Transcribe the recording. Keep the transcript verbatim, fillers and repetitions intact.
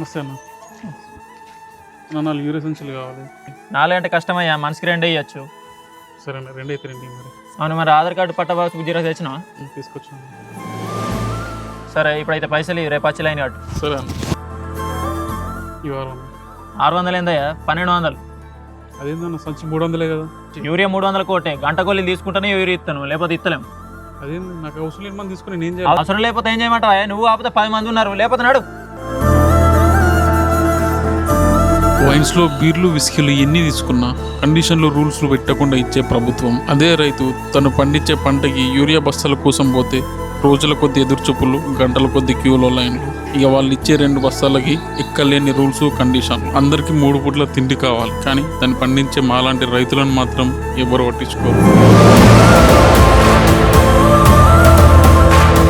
నమస్తే అన్న. నా నాలుగు యూరియా సంచులు కావాలి. నాలుగంటే కష్టమయ్యా, మనిషికి రెండు ఇవ్వచ్చు. సరే అన్న, రెండు అయితే రెండు మరి. అవును, మరి ఆధార్ కార్డు పట్ట బాక్స్ జీరో తెచ్చినా తీసుకొచ్చాను. సరే, ఇప్పుడైతే పైసలు ఇవి, రేపు వచ్చి లైన్ కట్టు. సరే అన్న. ఈ వారం ఆరు వందలు ఏందయ్యా? పన్నెండు వందలు. అదేందన్న, సంచి మూడు వందలే కదా. యూరియా మూడు వందల కోటే, గంట కొల్లి తీసుకుంటేనే యూరియా ఇస్తాను, లేకపోతే ఇస్తలేము. అదేంది, నాకు అవసరం లేని మంది తీసుకుని నేను చేయాలి. అవసరం లేకపోతే ఏం చేయమంటావా? నువ్వు కాకపోతే పది మంది ఉన్నారు, లేకపోతే నాడు. వైన్స్లో బీర్లు విస్కీలు ఎన్ని తీసుకున్నా కండిషన్లు రూల్స్లు పెట్టకుండా ఇచ్చే ప్రభుత్వం. అదే రైతు తను పండించే పంటకి యూరియా బస్తాల కోసం పోతే రోజుల కొద్ది ఎదురుచూపులు, గంటల కొద్ది క్యూలో లైన్లు. ఇక వాళ్ళు ఇచ్చే రెండు బస్తాలకి ఎక్కలేని రూల్స్, కండిషన్లు. అందరికీ మూడు పూట్ల తిండి కావాలి, కానీ దాన్ని పండించే మాలాంటి రైతులను మాత్రం ఎవరు పట్టించుకోరు.